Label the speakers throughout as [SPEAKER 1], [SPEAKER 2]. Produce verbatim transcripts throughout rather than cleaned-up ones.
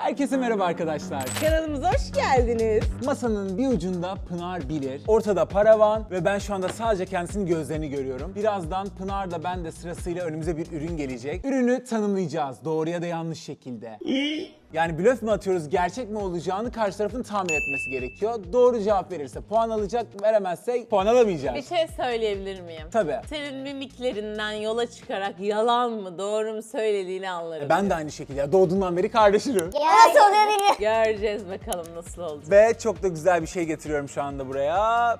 [SPEAKER 1] Herkese merhaba arkadaşlar.
[SPEAKER 2] Kanalımıza hoş geldiniz.
[SPEAKER 1] Masanın bir ucunda Pınar Bilir, ortada Paravan ve ben şu anda sadece kendisinin gözlerini görüyorum. Birazdan Pınar da ben de sırasıyla önümüze bir ürün gelecek. Ürünü tanımlayacağız doğru ya da yanlış şekilde. Yani blöf mü atıyoruz, gerçek mi olacağını karşı tarafın tahmin etmesi gerekiyor. Doğru cevap verirse puan alacak, veremezse puan alamayacak.
[SPEAKER 2] Bir şey söyleyebilir miyim?
[SPEAKER 1] Tabii.
[SPEAKER 2] Senin mimiklerinden yola çıkarak yalan mı doğru mu söylediğini anlarım.
[SPEAKER 1] Ben de aynı şekilde ya, doğduğundan beri kardeşim.
[SPEAKER 3] Nasıl oluyor bilmiyorum.
[SPEAKER 2] Göreceğiz bakalım nasıl olacak.
[SPEAKER 1] Ve çok da güzel bir şey getiriyorum şu anda buraya.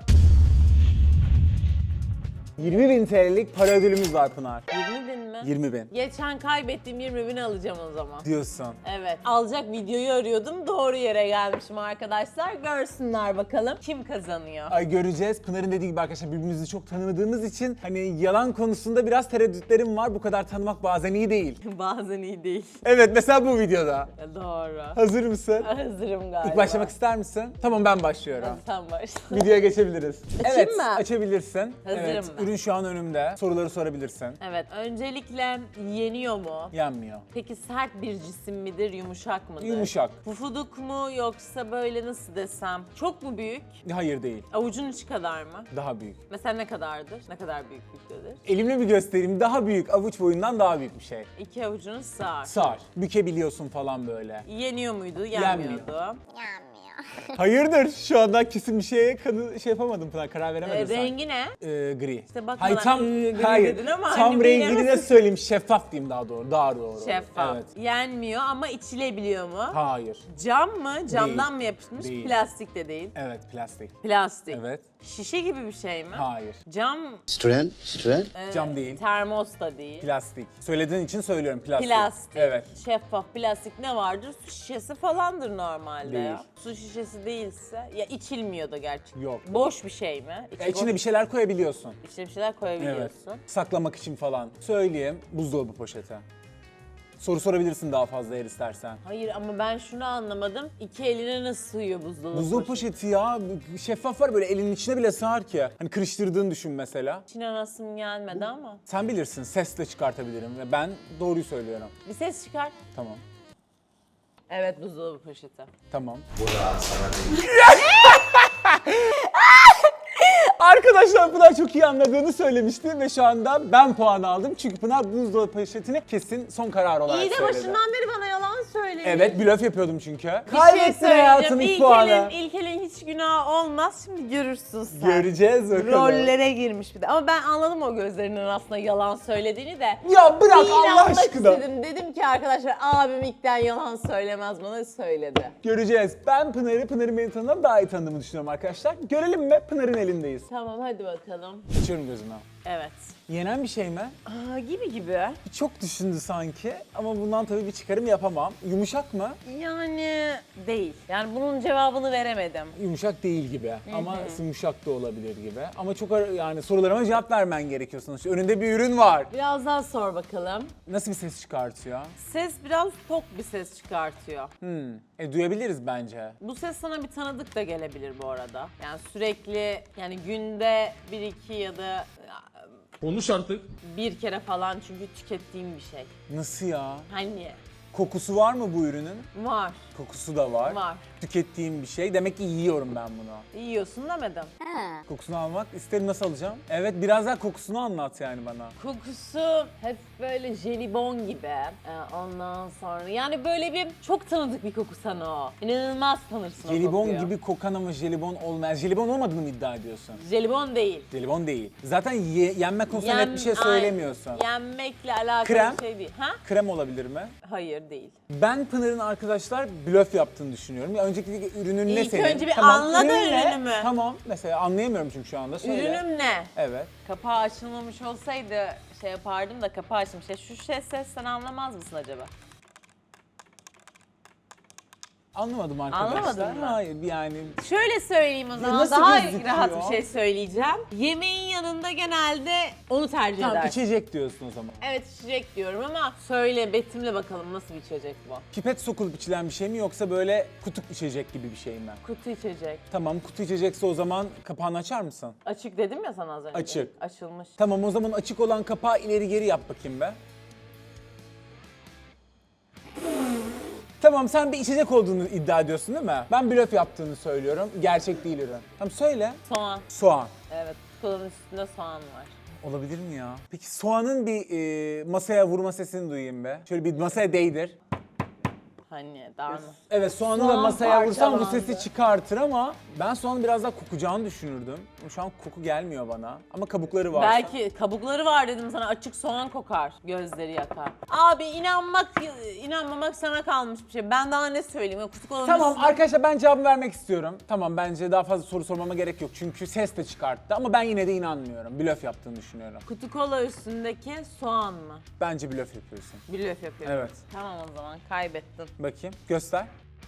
[SPEAKER 1] yirmi bin T L'lik para ödülümüz var Pınar.
[SPEAKER 2] yirmi bin mi?
[SPEAKER 1] yirmi bin
[SPEAKER 2] Geçen kaybettiğim yirmi bini alacağım o zaman.
[SPEAKER 1] diyorsun.
[SPEAKER 2] Evet. Alacak videoyu arıyordum. Doğru yere gelmişim arkadaşlar. Görsünler bakalım kim kazanıyor.
[SPEAKER 1] Ay göreceğiz. Pınar'ın dediği gibi arkadaşlar birbirimizi çok tanımadığımız için hani yalan konusunda biraz tereddütlerim var. Bu kadar tanımak bazen iyi değil.
[SPEAKER 2] Bazen iyi değil.
[SPEAKER 1] Evet mesela bu videoda.
[SPEAKER 2] Doğru.
[SPEAKER 1] Hazır mısın?
[SPEAKER 2] Hazırım galiba.
[SPEAKER 1] İlk başlamak ister misin? Tamam ben başlıyorum.
[SPEAKER 2] Sen başla.
[SPEAKER 1] Videoya geçebiliriz.
[SPEAKER 2] Açayım
[SPEAKER 1] evet,
[SPEAKER 2] mı?
[SPEAKER 1] açabilirsin.
[SPEAKER 2] Hazırım
[SPEAKER 1] evet,
[SPEAKER 2] ben.
[SPEAKER 1] Ürün şu an önümde. Soruları sorabilirsin.
[SPEAKER 2] Evet. Öncelikle yeniyor mu?
[SPEAKER 1] Yenmiyor.
[SPEAKER 2] Peki sert bir cisim midir, yumuşak mıdır?
[SPEAKER 1] Yumuşak.
[SPEAKER 2] Pufuduk mu yoksa böyle nasıl desem? Çok mu büyük?
[SPEAKER 1] Hayır değil.
[SPEAKER 2] Avucun içi kadar mı?
[SPEAKER 1] Daha büyük.
[SPEAKER 2] Mesela ne kadardır? Ne kadar büyüklüktedir?
[SPEAKER 1] Elimle bir göstereyim. Daha büyük. Avuç boyundan daha büyük bir şey.
[SPEAKER 2] İki avucunu sığar.
[SPEAKER 1] Sar. Bükebiliyorsun falan böyle.
[SPEAKER 2] Yeniyor muydu?
[SPEAKER 1] Yenmiyor.
[SPEAKER 2] Yenmiyordu.
[SPEAKER 3] Yanmıyor.
[SPEAKER 1] Hayırdır? Şu anda kesin bir şeye kanı şey yapamadım Pınar. Karar
[SPEAKER 2] Ee,
[SPEAKER 1] veremedim sen.
[SPEAKER 2] rengi ne?
[SPEAKER 1] Ee, gri.
[SPEAKER 2] İşte bak
[SPEAKER 1] Hayır
[SPEAKER 2] bana,
[SPEAKER 1] tam
[SPEAKER 2] "Iı, gri"
[SPEAKER 1] hayır.
[SPEAKER 2] dedin ama
[SPEAKER 1] tam
[SPEAKER 2] hani
[SPEAKER 1] rengini de
[SPEAKER 2] bilemezsin.
[SPEAKER 1] söyleyeyim. Şeffaf diyeyim daha doğru. Daha doğru.
[SPEAKER 2] Şeffaf.
[SPEAKER 1] Evet.
[SPEAKER 2] Yenmiyor ama içilebiliyor mu?
[SPEAKER 1] Hayır.
[SPEAKER 2] Cam mı? Camdan
[SPEAKER 1] Değil.
[SPEAKER 2] mı yapışmış?
[SPEAKER 1] Değil.
[SPEAKER 2] Plastik de değil.
[SPEAKER 1] Evet plastik.
[SPEAKER 2] Plastik.
[SPEAKER 1] Evet.
[SPEAKER 2] Şişe gibi bir şey mi?
[SPEAKER 1] Hayır.
[SPEAKER 2] Cam,
[SPEAKER 4] Citroen, Citroen.
[SPEAKER 2] e,
[SPEAKER 1] Cam değil.
[SPEAKER 2] termos da değil.
[SPEAKER 1] Plastik. Söylediğin için söylüyorum plastik.
[SPEAKER 2] Plastik.
[SPEAKER 1] Evet.
[SPEAKER 2] Şeffaf plastik ne vardır? Su şişesi falandır normalde
[SPEAKER 1] Değil.
[SPEAKER 2] ya. Su şişesi değilse ya içilmiyor da gerçi.
[SPEAKER 1] Yok.
[SPEAKER 2] Boş bir şey mi? İçi
[SPEAKER 1] Ya içine
[SPEAKER 2] boş-
[SPEAKER 1] bir şeyler koyabiliyorsun.
[SPEAKER 2] İçine bir şeyler
[SPEAKER 1] Evet.
[SPEAKER 2] koyabiliyorsun.
[SPEAKER 1] Saklamak için falan. Söyleyeyim. Buzdolabı poşeti. Soru sorabilirsin daha fazla eğer istersen.
[SPEAKER 2] Hayır ama ben şunu anlamadım. İki eline nasıl sığıyor buzdolabı
[SPEAKER 1] Buzdolabı
[SPEAKER 2] poşeti?
[SPEAKER 1] poşeti ya şeffaf var böyle elinin içine bile sığar ki. Hani kırıştırdığını düşün mesela.
[SPEAKER 2] İçine nasıl gelmedi ama.
[SPEAKER 1] Sen bilirsin sesle çıkartabilirim ve ben doğruyu söylüyorum.
[SPEAKER 2] Bir ses çıkar.
[SPEAKER 1] Tamam.
[SPEAKER 2] Evet buzdolabı poşeti.
[SPEAKER 1] Tamam. Arkadaşlar Pınar çok iyi anladığını söylemişti ve şu anda ben puan aldım. Çünkü Pınar buzdolabı poşetini kesin son karar olarak
[SPEAKER 2] İyi de
[SPEAKER 1] söyledi.
[SPEAKER 2] başından beri bana yalan söylemiş.
[SPEAKER 1] Evet blöf yapıyordum çünkü.
[SPEAKER 2] Bir şey
[SPEAKER 1] Kaybettin hayatın
[SPEAKER 2] söyleyeceğim.
[SPEAKER 1] ilk puanı.
[SPEAKER 2] İlkel'in, İlkel'in hiç günahı olmaz. Şimdi görürsün sen.
[SPEAKER 1] Göreceğiz bakalım.
[SPEAKER 2] Rollere girmiş bir de. Ama ben anladım o gözlerinin aslında yalan söylediğini de.
[SPEAKER 1] Ya bırak
[SPEAKER 2] Bir
[SPEAKER 1] Allah
[SPEAKER 2] inanmak
[SPEAKER 1] aşkına.
[SPEAKER 2] istedim. Dedim ki arkadaşlar abim ilkten yalan söylemez bana söyledi.
[SPEAKER 1] Göreceğiz. Ben Pınar'ı, Pınar'ın beni tanıdan daha iyi tanıdığımı düşünüyorum arkadaşlar. Görelim mi? Pınar'ın elindeyiz.
[SPEAKER 2] Tamam hadi bakalım.
[SPEAKER 1] Açıyorum gözümü.
[SPEAKER 2] Evet.
[SPEAKER 1] Yenen bir şey mi?
[SPEAKER 2] Aa, gibi gibi.
[SPEAKER 1] Çok düşündü sanki ama bundan tabii bir çıkarım yapamam. Yumuşak mı?
[SPEAKER 2] Yani değil. Yani bunun cevabını veremedim.
[SPEAKER 1] Yumuşak değil gibi ama yumuşak da olabilir gibi. Ama çok ar- yani sorularıma cevap vermen gerekiyor sonuçta. Önünde bir ürün var.
[SPEAKER 2] Biraz daha sor bakalım.
[SPEAKER 1] Nasıl bir ses çıkartıyor?
[SPEAKER 2] Ses biraz tok bir ses çıkartıyor.
[SPEAKER 1] Hmm. E duyabiliriz bence.
[SPEAKER 2] Bu ses sana bir tanıdık da gelebilir bu arada. Yani sürekli yani günde bir iki ya da
[SPEAKER 5] Konuş artık.
[SPEAKER 2] bir kere falan çünkü tükettiğim bir şey.
[SPEAKER 1] Nasıl ya?
[SPEAKER 2] Hani
[SPEAKER 1] Kokusu var mı bu ürünün?
[SPEAKER 2] var,
[SPEAKER 1] Kokusu da var.
[SPEAKER 2] var.
[SPEAKER 1] Tükettiğim bir şey. Demek ki yiyorum ben bunu.
[SPEAKER 2] Yiyorsun demedim.
[SPEAKER 3] Ha.
[SPEAKER 1] Kokusunu almak isterim, nasıl alacağım? Evet biraz daha kokusunu anlat yani bana.
[SPEAKER 2] Kokusu hep böyle jelibon gibi. Ee, ondan sonra yani böyle bir çok tanıdık bir koku sana o. İnanılmaz tanırsın o
[SPEAKER 1] Jelibon
[SPEAKER 2] kokuyu.
[SPEAKER 1] gibi kokan ama jelibon olmayan. Jelibon olmadığını mı iddia ediyorsun?
[SPEAKER 2] Jelibon değil.
[SPEAKER 1] Jelibon değil. Zaten ye- yenme konusunda net bir şey
[SPEAKER 2] Yem-
[SPEAKER 1] söylemiyorsun.
[SPEAKER 2] Ay, yenmekle alakalı
[SPEAKER 1] Krem?
[SPEAKER 2] bir şey değil. Ha?
[SPEAKER 1] Krem olabilir mi?
[SPEAKER 2] Hayır değil.
[SPEAKER 1] Ben Pınar'ın arkadaşlar blöf yaptığını düşünüyorum. Ya önceki ürünün ne
[SPEAKER 2] İlk
[SPEAKER 1] senin?
[SPEAKER 2] önce bir anla da
[SPEAKER 1] ürün ne?
[SPEAKER 2] ürünümü.
[SPEAKER 1] Tamam. Mesela anlayamıyorum çünkü şu anda. Söyle.
[SPEAKER 2] Ürünüm ne?
[SPEAKER 1] Evet.
[SPEAKER 2] Kapağı açılmamış olsaydı şey yapardım da kapağı açılmış. Ya şu şey ses sen anlamaz mısın acaba?
[SPEAKER 1] Anlamadım arkadaşlar.
[SPEAKER 2] Anlamadın mı?
[SPEAKER 1] Hayır yani.
[SPEAKER 2] Şöyle söyleyeyim o zaman
[SPEAKER 1] nasıl
[SPEAKER 2] daha
[SPEAKER 1] gözüküyor?
[SPEAKER 2] rahat bir şey söyleyeceğim. Yemeğin yanında genelde onu tercih
[SPEAKER 1] Tamam
[SPEAKER 2] edersin.
[SPEAKER 1] içecek diyorsun o zaman.
[SPEAKER 2] Evet içecek diyorum ama söyle betimle bakalım nasıl bir içecek bu?
[SPEAKER 1] Pipet sokulup içilen bir şey mi yoksa böyle kutup içecek gibi bir şey mi?
[SPEAKER 2] Kutu içecek.
[SPEAKER 1] Tamam kutu içecekse o zaman kapağını açar mısın?
[SPEAKER 2] Açık dedim ya sana az önce.
[SPEAKER 1] Açık.
[SPEAKER 2] Açılmış.
[SPEAKER 1] Tamam o zaman açık olan kapağı ileri geri yap bakayım be. Tamam, sen bir içecek olduğunu iddia ediyorsun değil mi? Ben blöf yaptığını söylüyorum. Gerçek değil ürün. Tamam söyle.
[SPEAKER 2] Soğan.
[SPEAKER 1] Soğan.
[SPEAKER 2] Evet, kolanın üstünde soğan var.
[SPEAKER 1] Olabilir mi ya? Peki soğanın bir e, masaya vurma sesini duyayım be. Şöyle bir masaya değdir.
[SPEAKER 2] Hani daha mı?
[SPEAKER 1] Evet, soğanı da
[SPEAKER 2] Soğan
[SPEAKER 1] masaya vursam bu
[SPEAKER 2] parçalandı.
[SPEAKER 1] sesi çıkartır ama ben soğanın biraz daha kokacağını düşünürdüm. Şu an koku gelmiyor bana ama kabukları var.
[SPEAKER 2] Belki kabukları var dedim sana, açık soğan kokar, gözleri yakar. Abi inanmak, inanmamak sana kalmış bir şey. Ben daha ne söyleyeyim? O kutu kolanın
[SPEAKER 1] Tamam
[SPEAKER 2] üstünde-
[SPEAKER 1] arkadaşlar, ben cevabı vermek istiyorum. Tamam, bence daha fazla soru sormama gerek yok çünkü ses de çıkarttı ama ben yine de inanmıyorum. Blöf yaptığını düşünüyorum.
[SPEAKER 2] Kutu kola üstündeki soğan mı?
[SPEAKER 1] Bence blöf yapıyorsun.
[SPEAKER 2] Blöf yapıyorum.
[SPEAKER 1] Evet.
[SPEAKER 2] Tamam o zaman kaybettin.
[SPEAKER 1] Bakayım, göster.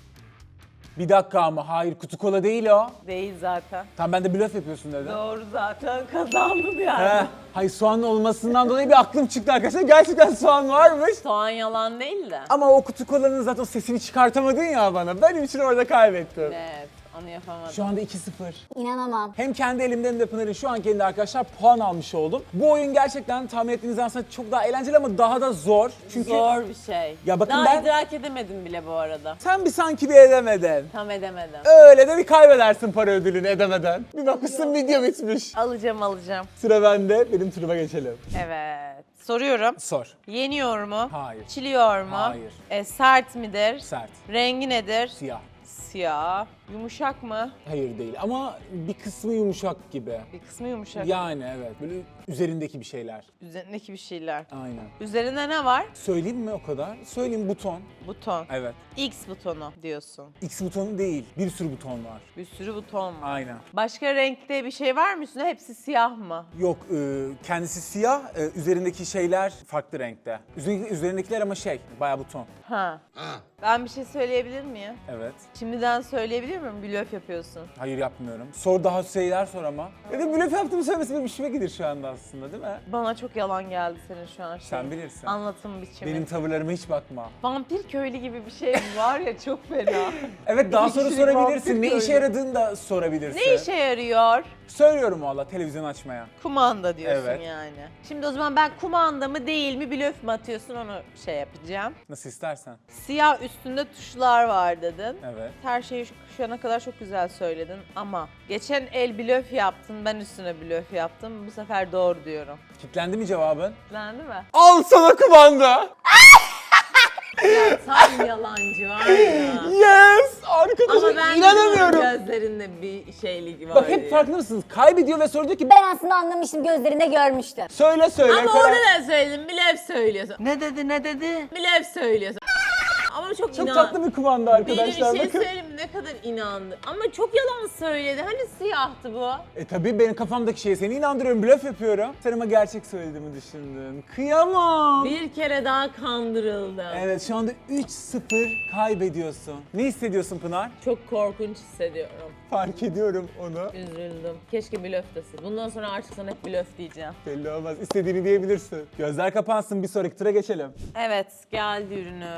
[SPEAKER 1] Bir dakika ama hayır, kutu kola değil o.
[SPEAKER 2] Değil zaten.
[SPEAKER 1] Tamam, ben de blöf yapıyorsun dedim.
[SPEAKER 2] Doğru zaten, kazandın yani.
[SPEAKER 1] He, hayır, soğanın olmasından dolayı bir aklım çıktı arkadaşlar. Gerçekten soğan varmış.
[SPEAKER 2] Soğan yalan değil de.
[SPEAKER 1] Ama o kutu kolanın zaten o sesini çıkartamadın ya bana. Benim için orada kaybettim.
[SPEAKER 2] Evet, onu yapamadım.
[SPEAKER 1] Şu anda iki sıfır.
[SPEAKER 3] İnanamam.
[SPEAKER 1] Hem kendi elimden hem de Pınar'ın şu anki elinde arkadaşlar puan almış oldum. Bu oyun gerçekten tahmin ettiğinizden aslında çok daha eğlenceli ama daha da zor. Çünkü
[SPEAKER 2] Zor bir şey.
[SPEAKER 1] Ya bakın
[SPEAKER 2] Daha
[SPEAKER 1] ben-
[SPEAKER 2] idrak edemedim bile bu arada.
[SPEAKER 1] sen bir sanki bir edemedin.
[SPEAKER 2] Tam edemedim.
[SPEAKER 1] Öyle de bir kaybedersin para ödülünü edemeden. Bir bakmışsın video bitmiş.
[SPEAKER 2] Alacağım alacağım.
[SPEAKER 1] Sıra bende, benim turuma geçelim.
[SPEAKER 2] Evet. Soruyorum.
[SPEAKER 1] Sor.
[SPEAKER 2] Yeniyor mu?
[SPEAKER 1] Hayır.
[SPEAKER 2] Çiliyor mu?
[SPEAKER 1] Hayır.
[SPEAKER 2] E, sert midir?
[SPEAKER 1] Sert.
[SPEAKER 2] Rengi nedir?
[SPEAKER 1] Siyah.
[SPEAKER 2] Siyah. Yumuşak mı?
[SPEAKER 1] Hayır değil ama bir kısmı yumuşak gibi.
[SPEAKER 2] Bir kısmı yumuşak.
[SPEAKER 1] Yani evet, böyle üzerindeki bir şeyler.
[SPEAKER 2] Üzerindeki bir şeyler.
[SPEAKER 1] Aynen.
[SPEAKER 2] Üzerinde ne var?
[SPEAKER 1] Söyleyeyim mi o kadar? Söyleyeyim, buton.
[SPEAKER 2] Buton.
[SPEAKER 1] Evet.
[SPEAKER 2] X butonu diyorsun.
[SPEAKER 1] X butonu değil, bir sürü buton var.
[SPEAKER 2] Bir sürü buton var.
[SPEAKER 1] Aynen.
[SPEAKER 2] Başka renkte bir şey var mı üstünde? Hepsi siyah mı?
[SPEAKER 1] Yok, e, kendisi siyah, e, üzerindeki şeyler farklı renkte. Üzerindeki, üzerindekiler ama şey, bayağı buton.
[SPEAKER 2] Ha. Ben bir şey söyleyebilir miyim?
[SPEAKER 1] Evet.
[SPEAKER 2] Şimdiden söyleyebilir miyim? Blöf yapıyorsun.
[SPEAKER 1] Hayır, yapmıyorum. Sor, daha şeyler sor ama. Ya da blöf yaptığımı söylemesi benim işime gider şu anda aslında, değil mi?
[SPEAKER 2] Bana çok yalan geldi senin şu an.
[SPEAKER 1] Sen
[SPEAKER 2] şeyin.
[SPEAKER 1] bilirsin.
[SPEAKER 2] Anlatım biçimi.
[SPEAKER 1] Benim tavırlarıma hiç bakma.
[SPEAKER 2] Vampir köylü gibi bir şey var ya, çok fena.
[SPEAKER 1] Evet, daha
[SPEAKER 2] İki
[SPEAKER 1] soru
[SPEAKER 2] kişilik
[SPEAKER 1] sorabilirsin.
[SPEAKER 2] vampir
[SPEAKER 1] Ne işe
[SPEAKER 2] köylü.
[SPEAKER 1] yaradığını da sorabilirsin.
[SPEAKER 2] Ne işe yarıyor?
[SPEAKER 1] Söylüyorum valla, televizyon açmaya.
[SPEAKER 2] Kumanda diyorsun
[SPEAKER 1] Evet.
[SPEAKER 2] yani. Şimdi o zaman ben kumanda mı değil mi, blöf mü atıyorsun, onu şey yapacağım.
[SPEAKER 1] Nasıl istersen.
[SPEAKER 2] Siyah üstünde tuşlar var dedin.
[SPEAKER 1] Evet.
[SPEAKER 2] Her şeyi şu, şu ana kadar çok güzel söyledin ama geçen el blöf yaptın, ben üstüne blöf yaptım. Bu sefer doğru diyorum.
[SPEAKER 1] Kitlendi mi cevabın?
[SPEAKER 2] Kitlendi mi?
[SPEAKER 1] Al sana kumanda.
[SPEAKER 2] Tam yalancı var ya.
[SPEAKER 1] Yes! Arkadaşım,
[SPEAKER 2] Ama ben
[SPEAKER 1] inanamıyorum.
[SPEAKER 2] de gözlerinde bir şeylik var
[SPEAKER 1] Bak, hep
[SPEAKER 2] diye.
[SPEAKER 1] farkında mısınız? Kaybediyor ve sonra diyor ki
[SPEAKER 3] Ben aslında anlamıştım, gözlerinde görmüştüm.
[SPEAKER 1] söyle söyle.
[SPEAKER 2] Ama
[SPEAKER 1] karar-
[SPEAKER 2] orada da söyledim, blöf söylüyorsun. Ne dedi ne dedi? Blöf söylüyorsun. Ama çok,
[SPEAKER 1] Çok
[SPEAKER 2] inan.
[SPEAKER 1] tatlı bir kumanda
[SPEAKER 2] Benim bir
[SPEAKER 1] arkadaşlar,
[SPEAKER 2] şey
[SPEAKER 1] bakın.
[SPEAKER 2] söyleyeyim, ne kadar inandı. Ama çok yalan söyledi. Hani siyahtı bu.
[SPEAKER 1] E tabii, benim kafamdaki şeye seni inandırıyorum, blöf yapıyorum. Sen ama gerçek söylediğimi düşündün. Kıyamam.
[SPEAKER 2] Bir kere daha kandırıldım.
[SPEAKER 1] Evet, şu anda üç sıfır kaybediyorsun. Ne hissediyorsun Pınar?
[SPEAKER 2] Çok korkunç hissediyorum.
[SPEAKER 1] Fark ediyorum onu.
[SPEAKER 2] Üzüldüm. Keşke blöf desin. Bundan sonra artık sana hep blöf diyeceğim.
[SPEAKER 1] Belli olmaz. İstediğini diyebilirsin. Gözler kapansın, bir sonraki tura geçelim.
[SPEAKER 2] Evet, geldi ürünü.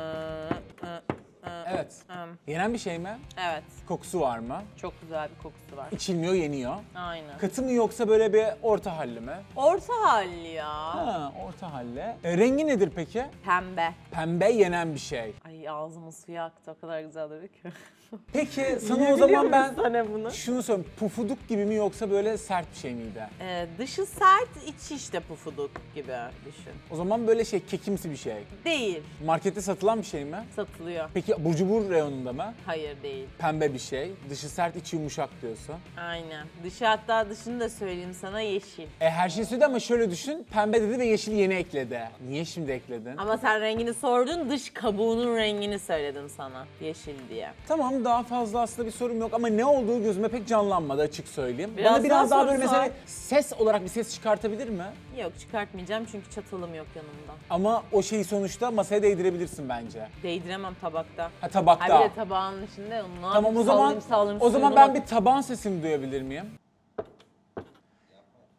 [SPEAKER 1] Evet. Yenen bir şey mi?
[SPEAKER 2] Evet,
[SPEAKER 1] Kokusu var mı?
[SPEAKER 2] çok güzel bir kokusu var.
[SPEAKER 1] İçilmiyor, yeniyor.
[SPEAKER 2] Aynen.
[SPEAKER 1] Katı mı yoksa böyle bir orta halli mi?
[SPEAKER 2] Orta halli ya.
[SPEAKER 1] Ha, orta halli. E, rengi nedir peki?
[SPEAKER 2] Pembe.
[SPEAKER 1] Pembe, yenen bir şey.
[SPEAKER 2] Ay ağzımın suyu aktı, o kadar güzel dedi ki.
[SPEAKER 1] Peki sana o zaman ben
[SPEAKER 2] Sana bunu.
[SPEAKER 1] şunu söyleyeyim. Pufuduk gibi mi yoksa böyle sert bir şey miydi?
[SPEAKER 2] Ee, dışı sert, içi işte pufuduk gibi düşün.
[SPEAKER 1] O zaman böyle şey, kekimsi bir şey.
[SPEAKER 2] Değil.
[SPEAKER 1] Markette satılan bir şey mi?
[SPEAKER 2] Satılıyor.
[SPEAKER 1] Peki burcu cubur reyonunda mı?
[SPEAKER 2] Hayır değil.
[SPEAKER 1] Pembe bir şey. Dışı sert, içi yumuşak diyorsun.
[SPEAKER 2] Aynen. Dışı, hatta dışını da söyleyeyim sana, yeşil.
[SPEAKER 1] E her şey söyledi ama şöyle düşün. Pembe dedi ve yeşil yeni ekledi. Niye şimdi ekledin?
[SPEAKER 2] Ama sen rengini sordun, dış kabuğunun rengini söyledim sana. Yeşil diye.
[SPEAKER 1] Tamam, daha fazla aslında bir sorum yok ama ne olduğu gözüme pek canlanmadı, açık söyleyeyim.
[SPEAKER 2] Biraz
[SPEAKER 1] Bana biraz
[SPEAKER 2] daha
[SPEAKER 1] daha böyle
[SPEAKER 2] soru
[SPEAKER 1] mesela
[SPEAKER 2] sor.
[SPEAKER 1] ses olarak bir ses çıkartabilir mi?
[SPEAKER 2] Yok, çıkartmayacağım çünkü çatalım yok yanımda.
[SPEAKER 1] Ama o şeyi sonuçta masaya değdirebilirsin bence.
[SPEAKER 2] Değdiremem tabakta.
[SPEAKER 1] Ha, tabakta.
[SPEAKER 2] Ha bir de tabağın içinde onu
[SPEAKER 1] Tamam, o zaman
[SPEAKER 2] sallayayım, sallayayım,
[SPEAKER 1] o zaman
[SPEAKER 2] suyuna
[SPEAKER 1] ben
[SPEAKER 2] bak-
[SPEAKER 1] bir taban sesini duyabilir miyim?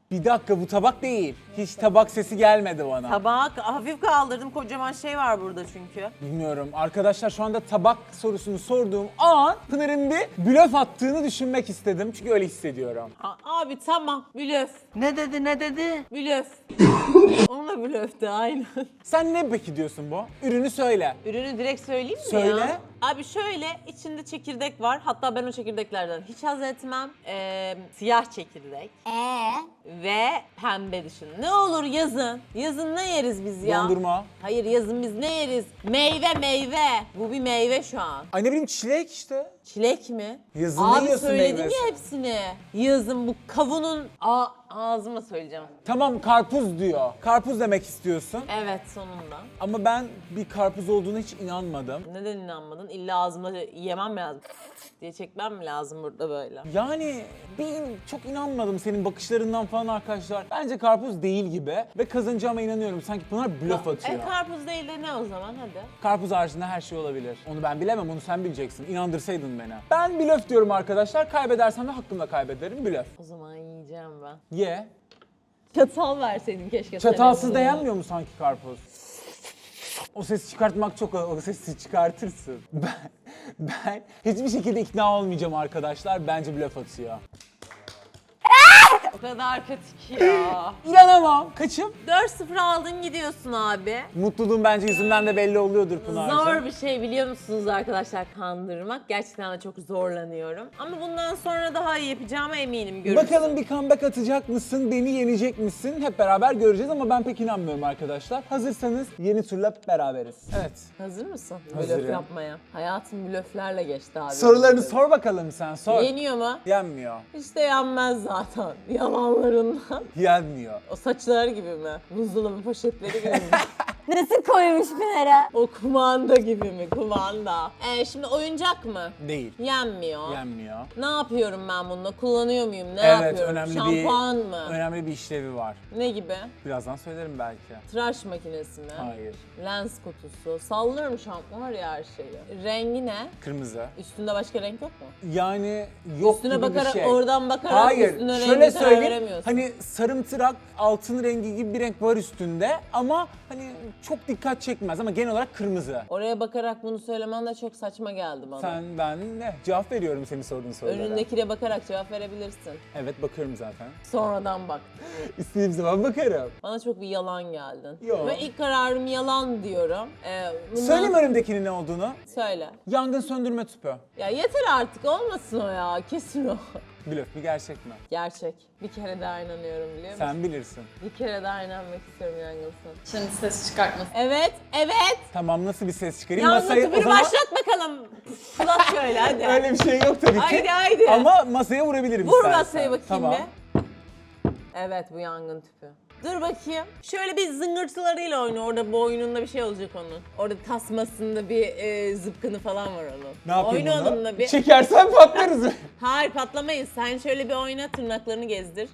[SPEAKER 1] Bir dakika, bu tabak değil. Hiç tabak sesi gelmedi bana.
[SPEAKER 4] Tabak hafif kaldırdım, kocaman şey var burada çünkü.
[SPEAKER 1] Bilmiyorum. Arkadaşlar şu anda tabak sorusunu sorduğum an Pınar'ın bir blöf attığını düşünmek istedim. Çünkü öyle hissediyorum.
[SPEAKER 2] A- abi tamam, blöf,
[SPEAKER 4] Ne dedi ne dedi?
[SPEAKER 2] blöf. Onunla blöftü aynen.
[SPEAKER 1] Sen ne peki diyorsun bu? Ürünü söyle.
[SPEAKER 2] Ürünü direkt söyleyeyim mi
[SPEAKER 1] Söyle.
[SPEAKER 2] ya? Abi şöyle, içinde çekirdek var. Hatta ben o çekirdeklerden hiç haz etmem. Ee, siyah çekirdek
[SPEAKER 3] Ee,
[SPEAKER 2] ve pembe dışın. Ne olur yazın. Yazın ne yeriz biz ya?
[SPEAKER 1] Dondurma.
[SPEAKER 2] Hayır, yazın biz ne yeriz? Meyve meyve. Bu bir meyve şu an.
[SPEAKER 1] Ay ne bileyim, çilek işte.
[SPEAKER 2] Çilek mi?
[SPEAKER 1] Yazın ne
[SPEAKER 2] Abi
[SPEAKER 1] yiyorsun
[SPEAKER 2] söyledim
[SPEAKER 1] meyvesi?
[SPEAKER 2] ya hepsini. Yazın bu kavunun... A ağzıma söyleyeceğim.
[SPEAKER 1] Tamam, karpuz diyor. Karpuz demek istiyorsun.
[SPEAKER 2] Evet, sonunda.
[SPEAKER 1] Ama ben bir karpuz olduğuna hiç inanmadım.
[SPEAKER 2] Neden inanmadın? İlla ağzıma yemem mi lazım diye çekmem mi lazım burada böyle?
[SPEAKER 1] Yani bir çok inanmadım senin bakışlarından falan arkadaşlar. Bence karpuz değil gibi ve kazanacağıma inanıyorum. Sanki Pınar blöf atıyor.
[SPEAKER 2] E karpuz değil de ne o zaman, hadi.
[SPEAKER 1] Karpuz haricinde her şey olabilir. Onu ben bilemem, onu sen bileceksin. İnandırsaydın beni. Ben blöf diyorum arkadaşlar. Kaybedersem de hakkımla kaybederim. Blöf.
[SPEAKER 2] O zaman yiyeceğim ben.
[SPEAKER 1] Ye.
[SPEAKER 2] Çatal verseydin keşke.
[SPEAKER 1] Çatalsız
[SPEAKER 2] senin.
[SPEAKER 1] da yenmiyor mu sanki karpuz? O sesi çıkartmak çok, o sesi çıkartırsın. Ben, ben hiçbir şekilde ikna olmayacağım arkadaşlar. Bence blöf atıyor.
[SPEAKER 2] O kadar kötü ki ya.
[SPEAKER 1] İnanamam. Kaçım?
[SPEAKER 2] dört sıfır aldın gidiyorsun abi.
[SPEAKER 1] Mutluluğum bence yüzünden de belli oluyordur Pınar'cığım.
[SPEAKER 2] Zor bir şey biliyor musunuz arkadaşlar, kandırmak. Gerçekten de çok zorlanıyorum. Ama bundan sonra daha iyi yapacağıma eminim. Görürsün.
[SPEAKER 1] Bakalım bir comeback atacak mısın, beni yenecek misin? Hep beraber göreceğiz ama ben pek inanmıyorum arkadaşlar. Hazırsanız yeni turla beraberiz. Evet.
[SPEAKER 2] Hazır mısın?
[SPEAKER 1] Hazırım.
[SPEAKER 2] Blöf yapmaya. Hayatım blöflerle geçti abi.
[SPEAKER 1] Sorularını sor bakalım sen, sor.
[SPEAKER 2] Yeniyor mu?
[SPEAKER 1] Yenmiyor.
[SPEAKER 2] İşte yenmez zaten. Yalanlarından.
[SPEAKER 1] Yenmiyor.
[SPEAKER 2] O saçlar gibi mi? Buzdolabı poşetleri gibi mi?
[SPEAKER 3] nasıl koymuş Pınar'a?
[SPEAKER 2] O kumanda gibi mi? Kumanda. Ee, şimdi oyuncak mı?
[SPEAKER 1] Değil.
[SPEAKER 2] Yenmiyor.
[SPEAKER 1] Yenmiyor.
[SPEAKER 2] Ne yapıyorum ben bununla? Kullanıyor muyum? Ne
[SPEAKER 1] Evet,
[SPEAKER 2] yapıyorum?
[SPEAKER 1] önemli
[SPEAKER 2] Şampuan
[SPEAKER 1] bir
[SPEAKER 2] mı?
[SPEAKER 1] önemli bir işlevi var.
[SPEAKER 2] Ne gibi?
[SPEAKER 1] Birazdan söylerim belki.
[SPEAKER 2] Tıraş makinesi mi?
[SPEAKER 1] Hayır.
[SPEAKER 2] Lens kutusu. Sallıyorum şampuan var ya her şeyi. Rengi ne?
[SPEAKER 1] Kırmızı.
[SPEAKER 2] Üstünde başka renk yok mu?
[SPEAKER 1] Yani yok
[SPEAKER 2] Üstüne
[SPEAKER 1] gibi
[SPEAKER 2] bakarak,
[SPEAKER 1] bir şey.
[SPEAKER 2] oradan bakarak
[SPEAKER 1] Hayır.
[SPEAKER 2] üstüne
[SPEAKER 1] Şöyle
[SPEAKER 2] rengi karar
[SPEAKER 1] söyleyeyim.
[SPEAKER 2] veremiyorsun.
[SPEAKER 1] Hani sarımtırak, altın rengi gibi bir renk var üstünde ama hani çok dikkat çekmez ama genel olarak kırmızı.
[SPEAKER 2] Oraya bakarak bunu söylemen de çok saçma geldi bana.
[SPEAKER 1] Sen, ben ne? Cevap veriyorum senin sorduğun sorulara.
[SPEAKER 2] Önündekine bakarak cevap verebilirsin.
[SPEAKER 1] Evet, bakıyorum zaten.
[SPEAKER 2] Sonradan bak.
[SPEAKER 1] İstediğim zaman bakarım.
[SPEAKER 2] Bana çok bir yalan geldin.
[SPEAKER 1] Yo.
[SPEAKER 2] Ve ilk kararım yalan diyorum. Ee, bundan...
[SPEAKER 1] Söyleyeyim önümdekinin ne olduğunu.
[SPEAKER 2] Söyle.
[SPEAKER 1] Yangın söndürme tüpü.
[SPEAKER 2] Ya yeter artık, olmasın o ya. Kesin o.
[SPEAKER 1] Blöf mü, gerçek mi?
[SPEAKER 2] Gerçek. Bir kere daha inanıyorum, biliyor musun?
[SPEAKER 1] Sen bilirsin.
[SPEAKER 2] Bir kere daha inanmak istiyorum yangınsın.
[SPEAKER 6] Şimdi ses çıkartmasın.
[SPEAKER 2] Evet, evet.
[SPEAKER 1] Tamam, nasıl bir ses çıkarayım?
[SPEAKER 2] Yangın
[SPEAKER 1] Masayı
[SPEAKER 2] tüpünü başlat bakalım. Fırlat şöyle hadi.
[SPEAKER 1] Öyle bir şey yok tabii ki.
[SPEAKER 2] Haydi, haydi.
[SPEAKER 1] Ama masaya vurabilirim
[SPEAKER 2] Vur
[SPEAKER 1] istersen.
[SPEAKER 2] masaya bakayım
[SPEAKER 1] Tamam.
[SPEAKER 2] bir. Evet, bu yangın tüpü. Dur bakayım. Şöyle bir zıngırtılarıyla oyna. Orada boynunda bir şey olacak onun. Orada tasmasında bir e, zıpkını falan var onun.
[SPEAKER 1] Ne yapayım
[SPEAKER 2] Oyna
[SPEAKER 1] bunu?
[SPEAKER 2] onunla bir.
[SPEAKER 1] Çekersen patlarız.
[SPEAKER 2] Hayır, patlamayız. Sen şöyle bir oyna, tırnaklarını gezdir.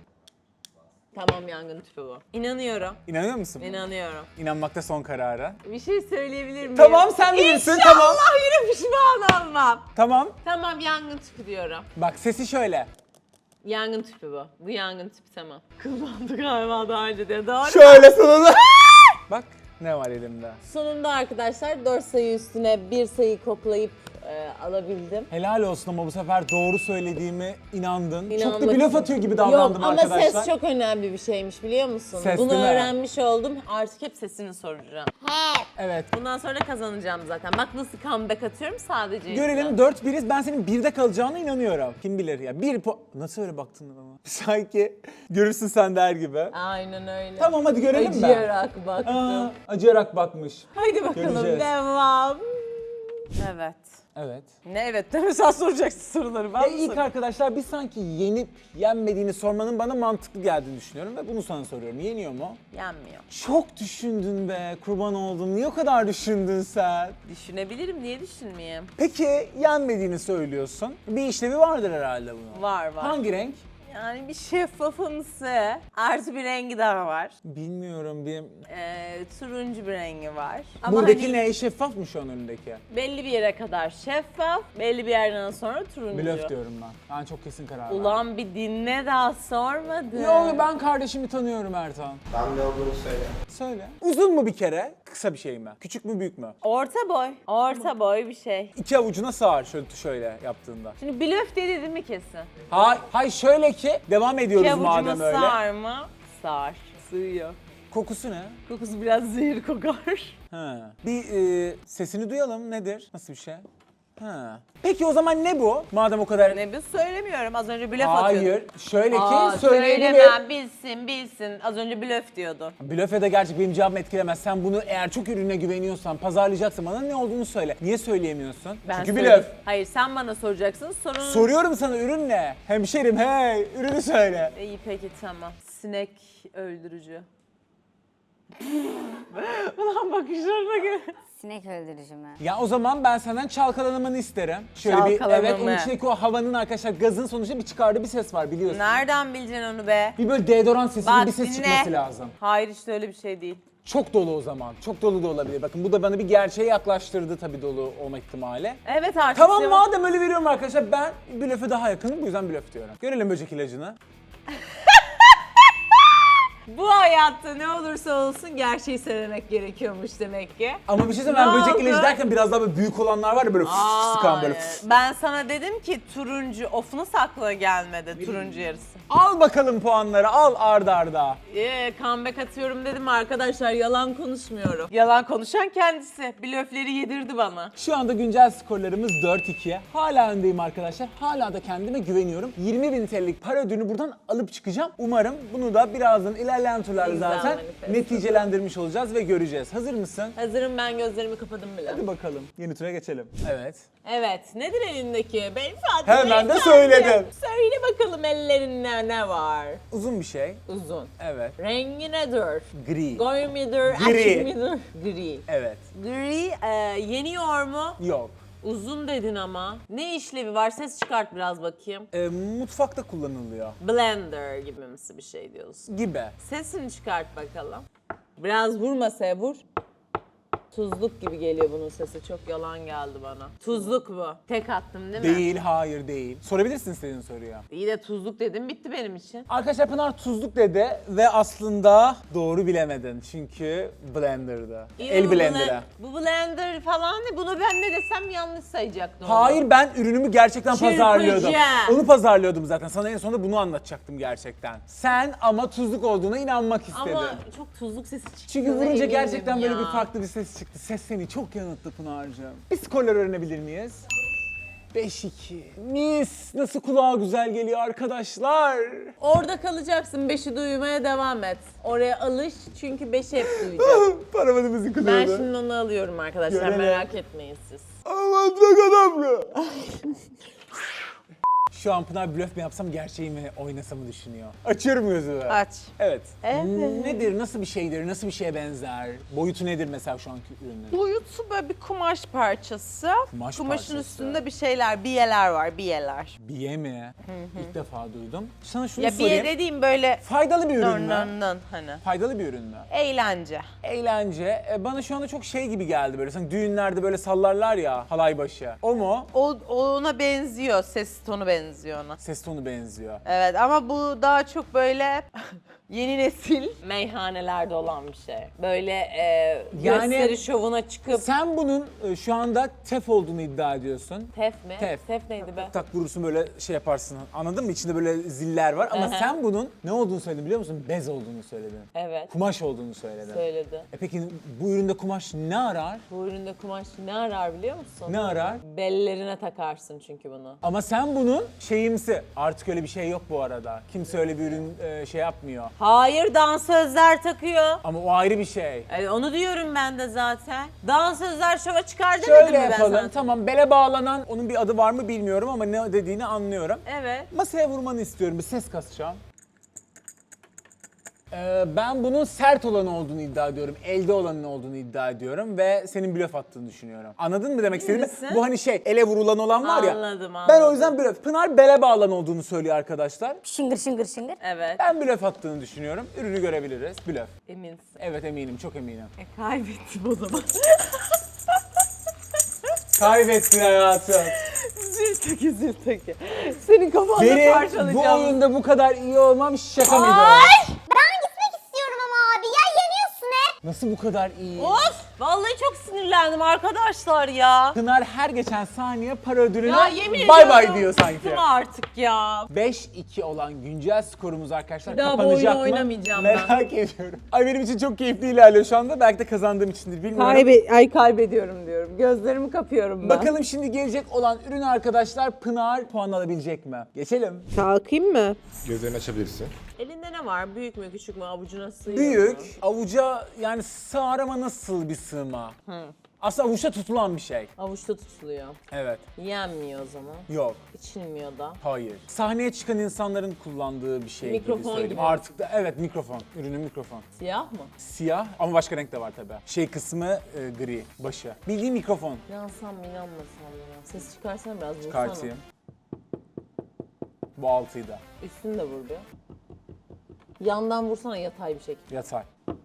[SPEAKER 2] Tamam, yangın tüpü bu. İnanıyorum.
[SPEAKER 1] İnanıyor musun?
[SPEAKER 2] İnanıyorum.
[SPEAKER 1] İnanmakta son kararı.
[SPEAKER 2] Bir şey söyleyebilir miyim?
[SPEAKER 1] Tamam, sen bilirsin,
[SPEAKER 2] İnşallah
[SPEAKER 1] tamam.
[SPEAKER 2] yine pişman olmam.
[SPEAKER 1] Tamam.
[SPEAKER 2] Tamam, yangın tüpü diyorum.
[SPEAKER 1] Bak, sesi şöyle.
[SPEAKER 2] Yangın tüpü bu. Bu yangın tüpü, tamam. Kullandık galiba daha önce de. Doğru.
[SPEAKER 1] Şöyle sonunda. Bak ne var elimde.
[SPEAKER 2] Sonunda arkadaşlar dört sayı üstüne bir sayı koklayıp e, alabildim.
[SPEAKER 1] Helal olsun ama bu sefer doğru söylediğime inandın. Çok da
[SPEAKER 2] İnanmak
[SPEAKER 1] blöf
[SPEAKER 2] için-
[SPEAKER 1] atıyor gibi davrandım
[SPEAKER 2] Yok, ama
[SPEAKER 1] arkadaşlar.
[SPEAKER 2] ses çok önemli bir şeymiş, biliyor musun?
[SPEAKER 1] Ses
[SPEAKER 2] Bunu
[SPEAKER 1] değil mi?
[SPEAKER 2] öğrenmiş oldum. Artık hep sesini soracağım.
[SPEAKER 1] Evet.
[SPEAKER 2] Bundan sonra kazanacağım zaten. Bak nasıl comeback atıyorum sadece.
[SPEAKER 1] Görelim, dört biriz. Ben senin birde kalacağına inanıyorum. Kim bilir ya. Bir po... Nasıl öyle baktın bana? Sanki görürsün sen der gibi.
[SPEAKER 2] Aynen öyle.
[SPEAKER 1] Tamam, hadi görelim ben.
[SPEAKER 2] Acıyarak baktım.
[SPEAKER 1] Aa, acıyarak bakmış.
[SPEAKER 2] Haydi bakalım,
[SPEAKER 1] göreceğiz.
[SPEAKER 2] devam. Evet.
[SPEAKER 1] Evet.
[SPEAKER 2] Ne evet de sen soracaksın soruları. Ben
[SPEAKER 1] Ya
[SPEAKER 2] mi
[SPEAKER 1] ilk
[SPEAKER 2] sorayım?
[SPEAKER 1] arkadaşlar bir sanki yenip yenmediğini sormanın bana mantıklı geldiğini düşünüyorum ve bunu sana soruyorum. Yeniyor mu?
[SPEAKER 2] Yenmiyor.
[SPEAKER 1] Çok düşündün be, kurban oldum. Niye o kadar düşündün sen?
[SPEAKER 2] Düşünebilirim, niye düşünmeyeyim?
[SPEAKER 1] Peki yenmediğini söylüyorsun. Bir işlevi vardır herhalde bunun.
[SPEAKER 2] Var var.
[SPEAKER 1] Hangi renk?
[SPEAKER 4] Yani bir şeffafımsı. Artı bir rengi daha var.
[SPEAKER 1] Bilmiyorum bir...
[SPEAKER 4] Ee, turuncu bir rengi var. Ama
[SPEAKER 1] Buradaki
[SPEAKER 4] hani
[SPEAKER 1] ne? Şeffaf mı şu an önündeki?
[SPEAKER 4] belli bir yere kadar şeffaf, belli bir yerden sonra turuncu.
[SPEAKER 1] Blöf diyorum ben. Ben çok kesin karar verdim.
[SPEAKER 4] Ulan bir dinle daha sormadı.
[SPEAKER 1] Yo ben kardeşimi tanıyorum Ertan.
[SPEAKER 6] Ben ne olduğunu söyle.
[SPEAKER 1] Söyle. Uzun mu bir kere? Kısa bir şey mi? Küçük mü büyük mü?
[SPEAKER 4] Orta boy. Orta boy bir şey.
[SPEAKER 1] İki avucuna sığar şöyle şöyle yaptığında.
[SPEAKER 4] Şimdi blöf dedi değil mi kesin?
[SPEAKER 1] Hay, hay şöyle ki devam ediyoruz
[SPEAKER 4] İki avucuma
[SPEAKER 1] madem öyle.
[SPEAKER 4] sığar mı? Sığar. Sığıyor.
[SPEAKER 1] Kokusu ne?
[SPEAKER 4] Kokusu biraz zehir kokar.
[SPEAKER 1] Ha. Bir e, sesini duyalım nedir? Nasıl bir şey? Ha. Peki o zaman ne bu? Madem o kadar...
[SPEAKER 4] Ne biz söylemiyorum. Az önce blöf atıyordun.
[SPEAKER 1] Hayır. Şöyle ki
[SPEAKER 4] Aa,
[SPEAKER 1] söyleyebilir.
[SPEAKER 4] söylemem, bilsin, bilsin. Az önce blöf diyordun.
[SPEAKER 1] Blöfe de gerçek benim cevabımı etkilemez. Sen bunu eğer çok ürüne güveniyorsan, pazarlayacaksın bana ne olduğunu söyle. Niye söyleyemiyorsun? Çünkü
[SPEAKER 4] söyleyeyim.
[SPEAKER 1] blöf.
[SPEAKER 4] Hayır, sen bana soracaksın. Sorun...
[SPEAKER 1] Soruyorum sana ürün ne? Hemşerim hey ürünü söyle.
[SPEAKER 4] İyi peki tamam. Sinek öldürücü. Ulan bakışlarına göre.
[SPEAKER 3] Sinek öldürücü mü?
[SPEAKER 1] Ya o zaman ben senden çalkalanmanı isterim. Şöyle bir
[SPEAKER 4] Çalkalama
[SPEAKER 1] evet onun
[SPEAKER 4] mı?
[SPEAKER 1] içindeki o havanın arkadaşlar gazın sonuçta bir çıkardığı bir ses var biliyorsun.
[SPEAKER 4] Nereden bileceksin onu be?
[SPEAKER 1] Bir böyle deodorant sesi gibi
[SPEAKER 4] Bak
[SPEAKER 1] bir ses
[SPEAKER 4] dinle.
[SPEAKER 1] çıkması lazım.
[SPEAKER 4] Hayır işte öyle bir şey değil.
[SPEAKER 1] Çok dolu o zaman. Çok dolu da olabilir. Bakın bu da bana bir gerçeğe yaklaştırdı tabii dolu olma ihtimali.
[SPEAKER 4] Evet artık.
[SPEAKER 1] Tamam
[SPEAKER 4] yok.
[SPEAKER 1] madem öyle veriyorum arkadaşlar ben blöfe daha yakınım bu yüzden blöf diyorum. Görelim böcek ilacını.
[SPEAKER 4] Bu hayatta ne olursa olsun gerçeği söylemek gerekiyormuş demek ki.
[SPEAKER 1] Ama bir şey söyleyeyim ben
[SPEAKER 4] Ne
[SPEAKER 1] böcek
[SPEAKER 4] oldu?
[SPEAKER 1] ilacı derken biraz daha böyle büyük olanlar var ya böyle fıs sıkan böyle
[SPEAKER 4] Aa,
[SPEAKER 1] fıs.
[SPEAKER 4] ben sana dedim ki turuncu, ofunu sakla gelmedi turuncu yarısı.
[SPEAKER 1] Al bakalım puanları al arda arda.
[SPEAKER 4] Ee, comeback atıyorum dedim arkadaşlar, yalan konuşmuyorum. Yalan konuşan kendisi. Blöfleri yedirdi bana.
[SPEAKER 1] Şu anda güncel skorlarımız dört ikiye. Hala öndeyim arkadaşlar. Hala da kendime güveniyorum. yirmi bin T L'lik para ödülünü buradan alıp çıkacağım. Umarım bunu da birazdan ilerleyen turlarda
[SPEAKER 4] Güzel
[SPEAKER 1] zaten
[SPEAKER 4] manifest.
[SPEAKER 1] neticelendirmiş olacağız ve göreceğiz. Hazır mısın?
[SPEAKER 4] Hazırım, ben gözlerimi kapadım bile.
[SPEAKER 1] Hadi bakalım. Yeni tura geçelim. Evet.
[SPEAKER 4] Evet, nedir elindeki? Beyefendi,
[SPEAKER 1] Hemen de
[SPEAKER 4] beyefendi.
[SPEAKER 1] söyledim.
[SPEAKER 4] Söyle bakalım ellerinde ne var?
[SPEAKER 1] Uzun bir şey.
[SPEAKER 4] Uzun.
[SPEAKER 1] Evet.
[SPEAKER 4] Rengi nedir?
[SPEAKER 1] Gri.
[SPEAKER 4] Koyu midir?
[SPEAKER 1] Gri.
[SPEAKER 4] Açık midir? Gri.
[SPEAKER 1] Evet.
[SPEAKER 4] Gri e, yeniyor mu?
[SPEAKER 1] Yok.
[SPEAKER 4] Uzun dedin ama. Ne işlevi var? Ses çıkart biraz bakayım.
[SPEAKER 1] Ee, mutfakta kullanılıyor.
[SPEAKER 4] Blender gibi misi bir şey diyorsun.
[SPEAKER 1] Gibi.
[SPEAKER 4] Sesini çıkart bakalım. Biraz vur masaya, vur. Tuzluk gibi geliyor bunun sesi. Çok yalan geldi bana. Tuzluk bu. Tek attım değil mi?
[SPEAKER 1] Değil, hayır değil. Sorabilirsin istediğin soruyu.
[SPEAKER 4] İyi de tuzluk dedim, bitti benim için.
[SPEAKER 1] Arkadaşlar Pınar tuzluk dedi ve aslında doğru bilemedin çünkü blender'dı.
[SPEAKER 4] İyi de
[SPEAKER 1] El
[SPEAKER 4] bu
[SPEAKER 1] blender'ı.
[SPEAKER 4] blen- Bu blender falan ne? Bunu ben ne desem yanlış sayacaktım.
[SPEAKER 1] Hayır ben ürünümü gerçekten
[SPEAKER 4] Çırpıcı.
[SPEAKER 1] pazarlıyordum. Onu pazarlıyordum zaten. Sana en sonunda bunu anlatacaktım gerçekten. Sen ama tuzluk olduğuna inanmak istedin.
[SPEAKER 4] Ama çok tuzluk sesi çıktı.
[SPEAKER 1] Çünkü vurunca
[SPEAKER 4] eminim
[SPEAKER 1] gerçekten böyle
[SPEAKER 4] ya.
[SPEAKER 1] bir farklı bir ses çıktı. Ses seni çok yanılttı Pınar'cığım. Bir skorları öğrenebilir miyiz? beş iki. Mis! Nasıl kulağa güzel geliyor arkadaşlar.
[SPEAKER 4] Orada kalacaksın, beşi duymaya devam et. Oraya alış çünkü beşi hep duyacağım.
[SPEAKER 1] Paramadı müzik
[SPEAKER 4] Ben
[SPEAKER 1] kılıyordu.
[SPEAKER 4] şimdi onu alıyorum arkadaşlar,
[SPEAKER 1] Görelim.
[SPEAKER 4] merak etmeyin siz.
[SPEAKER 1] Aman çok adamlı. Şu an Pınar blöf mü yapsam gerçeği mi oynasamı düşünüyor. Açıyorum gözümü.
[SPEAKER 4] Aç.
[SPEAKER 1] Evet.
[SPEAKER 4] Evet.
[SPEAKER 1] Nedir, nasıl bir şeydir, nasıl bir şeye benzer? Boyutu nedir mesela şu anki ürünün?
[SPEAKER 4] Boyutu böyle bir kumaş parçası.
[SPEAKER 1] Kumaş
[SPEAKER 4] Kumaşın
[SPEAKER 1] parçası.
[SPEAKER 4] üstünde bir şeyler, biyeler var, biyeler.
[SPEAKER 1] Biye mi? İlk defa duydum. Sana şunu
[SPEAKER 4] Ya
[SPEAKER 1] sorayım.
[SPEAKER 4] biye dediğim böyle
[SPEAKER 1] Faydalı bir ürün
[SPEAKER 4] nön
[SPEAKER 1] mü?
[SPEAKER 4] nön nön hani.
[SPEAKER 1] Faydalı bir ürün mü?
[SPEAKER 4] Eğlence.
[SPEAKER 1] Eğlence. E, bana şu anda çok şey gibi geldi böyle. Sanki düğünlerde böyle sallarlar ya halay başı. O mu?
[SPEAKER 4] O ona benziyor, ses tonu benziyor ona.
[SPEAKER 1] Ses tonu benziyor.
[SPEAKER 4] Evet ama bu daha çok böyle yeni nesil meyhanelerde olan bir şey. Böyle e,
[SPEAKER 1] Yani-
[SPEAKER 4] gösteri şovuna çıkıp...
[SPEAKER 1] Sen bunun e, şu anda tef olduğunu iddia ediyorsun.
[SPEAKER 4] Tef mi?
[SPEAKER 1] Tef.
[SPEAKER 4] Tef neydi be?
[SPEAKER 1] Tak vurursun böyle şey yaparsın. Anladın mı? İçinde böyle ziller var ama
[SPEAKER 4] Aha.
[SPEAKER 1] sen bunun ne olduğunu söyledin biliyor musun? Bez olduğunu söyledin.
[SPEAKER 4] Evet.
[SPEAKER 1] Kumaş olduğunu söyledin.
[SPEAKER 4] Söyledi.
[SPEAKER 1] E peki bu üründe kumaş ne arar?
[SPEAKER 4] Bu üründe kumaş ne arar biliyor musun?
[SPEAKER 1] Ne arar?
[SPEAKER 4] Bellerine takarsın çünkü bunu.
[SPEAKER 1] Ama sen bunun şeyimsi. Artık öyle bir şey yok bu arada. Kimse öyle bir ürün e, şey yapmıyor.
[SPEAKER 4] Hayır, dansözler takıyor.
[SPEAKER 1] Ama o ayrı bir şey.
[SPEAKER 4] E, onu diyorum ben de zaten. Dansözler şova çıkar demedim
[SPEAKER 1] Şöyle
[SPEAKER 4] mi ben
[SPEAKER 1] yapalım.
[SPEAKER 4] sana?
[SPEAKER 1] Tamam bele bağlanan onun bir adı var mı bilmiyorum ama ne dediğini anlıyorum.
[SPEAKER 4] Evet.
[SPEAKER 1] Masaya vurmanı istiyorum. Bir ses kasacağım. Ee, ben bunun sert olanı olduğunu iddia ediyorum. Elde olanın olduğunu iddia ediyorum ve senin blöf attığını düşünüyorum. Anladın mı demek istediğimi?
[SPEAKER 2] misin?
[SPEAKER 1] Bu hani şey ele vurulan olan var ya.
[SPEAKER 2] Anladım,
[SPEAKER 1] Ben o
[SPEAKER 2] anladım.
[SPEAKER 1] yüzden blöf. Pınar bele bağlan olduğunu söylüyor arkadaşlar.
[SPEAKER 3] Şıngır şıngır şıngır.
[SPEAKER 2] Evet.
[SPEAKER 1] Ben blöf attığını düşünüyorum. Ürünü görebiliriz. Blöf.
[SPEAKER 2] Eminsin.
[SPEAKER 1] Evet eminim, çok eminim.
[SPEAKER 2] E, kaybettim o zaman.
[SPEAKER 1] Kaybettin hayatım.
[SPEAKER 2] Zil taki zil taki. Senin kafanda
[SPEAKER 1] Benim bu
[SPEAKER 2] parçalayacağım.
[SPEAKER 1] oyunda bu kadar iyi olmam şaka mıydı?
[SPEAKER 3] Ben gitmek istiyorum ama abi. Ya yeniyorsun hep.
[SPEAKER 1] Nasıl bu kadar iyi?
[SPEAKER 2] Of! Vallahi çok sinirlendim arkadaşlar ya.
[SPEAKER 1] Pınar her geçen saniye para ödülüne
[SPEAKER 2] Ya yemin
[SPEAKER 1] bay
[SPEAKER 2] ediyorum.
[SPEAKER 1] bay diyor sanki.
[SPEAKER 2] Bıktım artık ya.
[SPEAKER 1] beş iki olan güncel skorumuz arkadaşlar
[SPEAKER 2] Bir daha bu
[SPEAKER 1] kapanacak
[SPEAKER 2] oyunu
[SPEAKER 1] mı?
[SPEAKER 2] oynamayacağım ben.
[SPEAKER 1] Merak ediyorum. Ay benim için çok keyifli ilerliyor şu anda. Belki de kazandığım içindir bilmiyorum.
[SPEAKER 2] Kaybe ay kaybediyorum diyorum. Gözlerimi kapıyorum ben.
[SPEAKER 1] Bakalım şimdi gelecek olan ürün arkadaşlar Pınar puan alabilecek mi? Geçelim.
[SPEAKER 2] Kalkayım mı?
[SPEAKER 5] Gözlerini açabilirsin.
[SPEAKER 2] Elinde ne var? Büyük mü küçük mü? Avucuna sığıyor
[SPEAKER 1] Büyük,
[SPEAKER 2] mu?
[SPEAKER 1] avuca yani sığar ama nasıl bir sığma? Aslında avuçta tutulan bir şey.
[SPEAKER 2] Avuçta tutuluyor.
[SPEAKER 1] Evet.
[SPEAKER 2] Yenmiyor o zaman.
[SPEAKER 1] Yok.
[SPEAKER 2] İçilmiyor da.
[SPEAKER 1] Hayır. Sahneye çıkan insanların kullandığı bir şey
[SPEAKER 2] Mikrofon
[SPEAKER 1] gibi söyleyeyim.
[SPEAKER 2] gibi.
[SPEAKER 1] Artık da evet mikrofon. Ürünün mikrofon.
[SPEAKER 2] Siyah mı?
[SPEAKER 1] Siyah ama başka renk de var tabii. Şey kısmı e, gri, başı. Bildiğin mikrofon.
[SPEAKER 2] İnansam mı inanmasam mı ya? Ses çıkarsan biraz vursana.
[SPEAKER 1] Çıkartayım. Bu altıyı da.
[SPEAKER 2] Üstünü de vur bir. Yandan vursana yatay bir şekilde.
[SPEAKER 1] Yatay.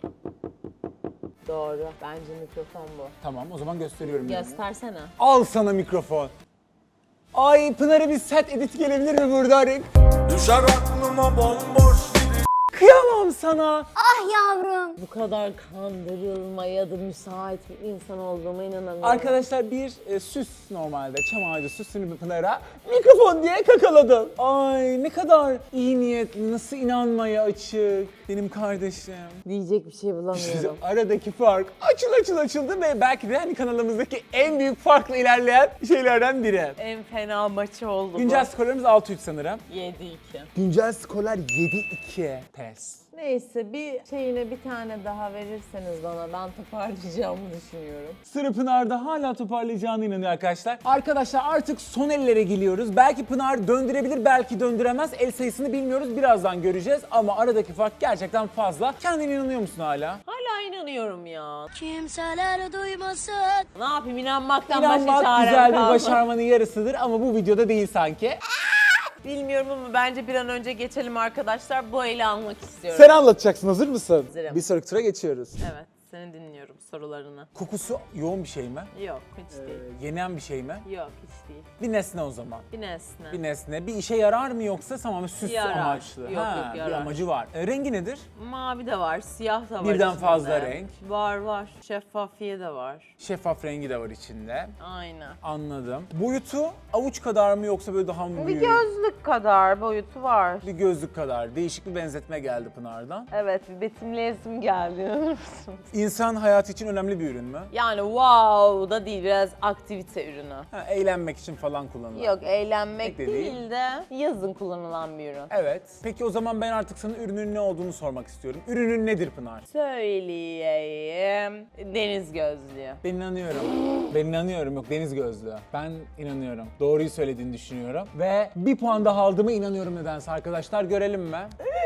[SPEAKER 2] Doğru. Bence mikrofon bu.
[SPEAKER 1] Tamam o zaman gösteriyorum. ürünü.
[SPEAKER 2] Göstersene.
[SPEAKER 1] Al sana mikrofon. Ay Pınar'a bir set edit gelebilir mi burada?
[SPEAKER 5] Düşer aklıma bomboş gibi.
[SPEAKER 1] Kıyamam sana.
[SPEAKER 3] Ah yavrum.
[SPEAKER 2] Bu kadar kandırılmaya da müsait bir insan olduğuma inanamıyorum.
[SPEAKER 1] Arkadaşlar bir e, süs normalde çam ağacı süsünü bir Pınar'a mikrofon diye kakaladım. Ay ne kadar iyi niyetli, nasıl inanmaya açık benim kardeşim.
[SPEAKER 2] Diyecek bir şey bulamıyorum.
[SPEAKER 1] Aradaki fark açıl açıl açıldı ve belki de hani kanalımızdaki en büyük farkla ilerleyen şeylerden biri.
[SPEAKER 2] En fena maçı oldu
[SPEAKER 1] Güncel skorlarımız altı üç sanırım.
[SPEAKER 2] bu. yedi iki.
[SPEAKER 1] Güncel skorlar yedi iki. Pes.
[SPEAKER 2] Neyse bir şeyine bir tane daha verirseniz bana ben toparlayacağımı düşünüyorum.
[SPEAKER 1] Sıra Pınar'da hala toparlayacağına inanıyor arkadaşlar. Arkadaşlar artık son ellere geliyoruz. Belki Pınar döndürebilir, belki döndüremez. El sayısını bilmiyoruz. Birazdan göreceğiz. Ama aradaki fark gerçekten fazla. Kendine inanıyor musun hala?
[SPEAKER 2] Hala inanıyorum ya.
[SPEAKER 3] Kimseler duymasın.
[SPEAKER 2] Ne yapayım inanmaktan başka
[SPEAKER 1] İnanmak
[SPEAKER 2] çarem
[SPEAKER 1] güzel bir
[SPEAKER 2] kalmadı.
[SPEAKER 1] başarmanın yarısıdır ama bu videoda değil sanki.
[SPEAKER 2] Bilmiyorum ama bence bir an önce geçelim arkadaşlar. Bu eli almak istiyorum.
[SPEAKER 1] Sen anlatacaksın. Hazır mısın?
[SPEAKER 2] Hazırım.
[SPEAKER 1] Bir sonraki tura geçiyoruz.
[SPEAKER 2] Evet seni dinliyorum sorularını.
[SPEAKER 1] Kokusu yoğun bir şey mi?
[SPEAKER 2] Yok hiç değil.
[SPEAKER 1] Ee, yenen bir şey mi?
[SPEAKER 2] Yok hiç değil.
[SPEAKER 1] Bir nesne o zaman.
[SPEAKER 2] Bir nesne.
[SPEAKER 1] Bir nesne. Bir işe yarar mı yoksa tamamen süs
[SPEAKER 2] Yarar.
[SPEAKER 1] amaçlı?
[SPEAKER 2] Yok,
[SPEAKER 1] ha,
[SPEAKER 2] yok,
[SPEAKER 1] bir
[SPEAKER 2] yarar.
[SPEAKER 1] amacı var. E, rengi nedir?
[SPEAKER 2] Mavi de var, siyah da var
[SPEAKER 1] Birden
[SPEAKER 2] içinde.
[SPEAKER 1] fazla renk.
[SPEAKER 2] Var var. Şeffafiye de var.
[SPEAKER 1] Şeffaf rengi de var içinde.
[SPEAKER 2] Aynen.
[SPEAKER 1] Anladım. Boyutu avuç kadar mı yoksa böyle daha mı
[SPEAKER 2] Bir
[SPEAKER 1] büyük?
[SPEAKER 2] gözlük kadar boyutu var.
[SPEAKER 1] Bir gözlük kadar. Değişik bir benzetme geldi Pınar'dan.
[SPEAKER 2] Evet bir betimleyesim geldi inanır mısın?
[SPEAKER 1] İnsan hayatı için önemli bir ürün mü?
[SPEAKER 2] Yani wow da değil biraz aktivite ürünü.
[SPEAKER 1] Ha, eğlenmek için falan kullanılan.
[SPEAKER 2] Yok eğlenmek
[SPEAKER 1] Pek de değil.
[SPEAKER 2] değil de yazın kullanılan bir ürün.
[SPEAKER 1] Evet. Peki o zaman ben artık sana ürünün ne olduğunu sormak istiyorum. Ürünün nedir Pınar?
[SPEAKER 2] Söyleyeyim. Deniz gözlüğü.
[SPEAKER 1] Ben inanıyorum. Ben inanıyorum. Yok deniz gözlüğü. Ben inanıyorum. Doğruyu söylediğini düşünüyorum. Ve bir puan daha aldığıma inanıyorum nedense arkadaşlar. Görelim mi?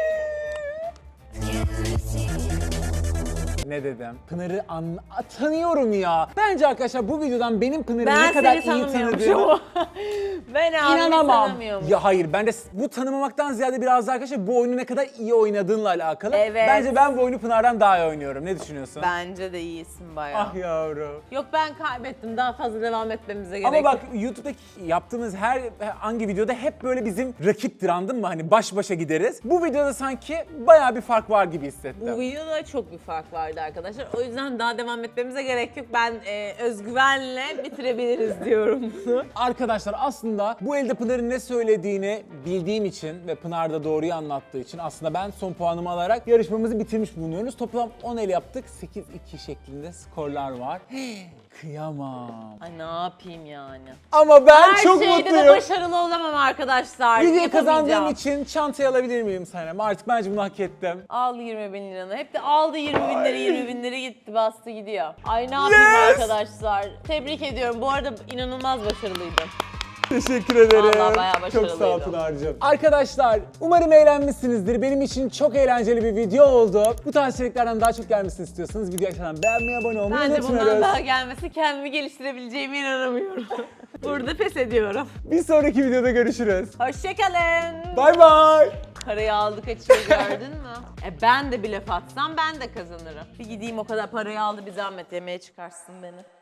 [SPEAKER 1] Ne dedim? Pınar'ı an tanıyorum ya. Bence arkadaşlar bu videodan benim Pınar'ı
[SPEAKER 2] Ben
[SPEAKER 1] ne kadar
[SPEAKER 2] seni
[SPEAKER 1] iyi tanıdığımı
[SPEAKER 2] tanımıyormuşum. Ben abimi
[SPEAKER 1] inanamam.
[SPEAKER 2] tanımıyormuşum.
[SPEAKER 1] Ya hayır ben de bu tanımamaktan ziyade biraz daha arkadaşlar bu oyunu ne kadar iyi oynadığınla alakalı.
[SPEAKER 2] Evet.
[SPEAKER 1] Bence ben bu oyunu Pınar'dan daha iyi oynuyorum. Ne düşünüyorsun?
[SPEAKER 2] Bence de iyisin bayağı.
[SPEAKER 1] Ah yavrum.
[SPEAKER 2] Yok ben kaybettim. Daha fazla devam etmemize gerek
[SPEAKER 1] Ama bak
[SPEAKER 2] yok.
[SPEAKER 1] YouTube'daki yaptığımız her hangi videoda hep böyle bizim rakiptir anladın mı? Hani baş başa gideriz. Bu videoda sanki bayağı bir fark var gibi hissettim.
[SPEAKER 2] Bu videoda çok bir fark vardı arkadaşlar. O yüzden daha devam etmemize gerek yok. Ben e, özgüvenle bitirebiliriz diyorum bunu.
[SPEAKER 1] Arkadaşlar aslında bu elde Pınar'ın ne söylediğini bildiğim için ve Pınar da doğruyu anlattığı için aslında ben son puanımı alarak yarışmamızı bitirmiş bulunuyoruz. Toplam on el yaptık. sekiz iki şeklinde skorlar var. Kıyamam.
[SPEAKER 2] Ay ne yapayım yani.
[SPEAKER 1] Ama ben
[SPEAKER 2] Her
[SPEAKER 1] çok
[SPEAKER 2] şeyde
[SPEAKER 1] mutluyum.
[SPEAKER 2] de başarılı olamam arkadaşlar.
[SPEAKER 1] Videoyu kazandığım
[SPEAKER 2] Yapamayacağım.
[SPEAKER 1] için çantayı alabilir miyim Sanem? Artık bence bunu hak ettim.
[SPEAKER 2] Al yirmi bin liranı. Hep de aldı yirmi bin lira, yirmi bin lira gitti bastı gidiyor. Ay ne yapayım
[SPEAKER 1] Yes!
[SPEAKER 2] arkadaşlar. Tebrik ediyorum. Bu arada inanılmaz başarılıydım.
[SPEAKER 1] Teşekkür ederim.
[SPEAKER 2] Vallahi bayağı
[SPEAKER 1] Çok sağ ol
[SPEAKER 2] başarılıydı.
[SPEAKER 1] Pınar'cığım. Arkadaşlar umarım eğlenmişsinizdir. Benim için çok eğlenceli bir video oldu. Bu tarz içeriklerden daha çok gelmesini istiyorsanız videoyu aşağıdan beğenmeyi, abone olmayı
[SPEAKER 2] Bence bundan
[SPEAKER 1] unutmuyoruz.
[SPEAKER 2] daha gelmesi kendimi geliştirebileceğime inanamıyorum. Burada pes ediyorum.
[SPEAKER 1] Bir sonraki videoda görüşürüz.
[SPEAKER 2] Hoşçakalın.
[SPEAKER 1] Bay bay.
[SPEAKER 2] Parayı aldık açıyor gördün mü? E ben de bir laf atsam ben de kazanırım. Bir gideyim o kadar parayı aldı bir zahmet yemeğe çıkarsın beni.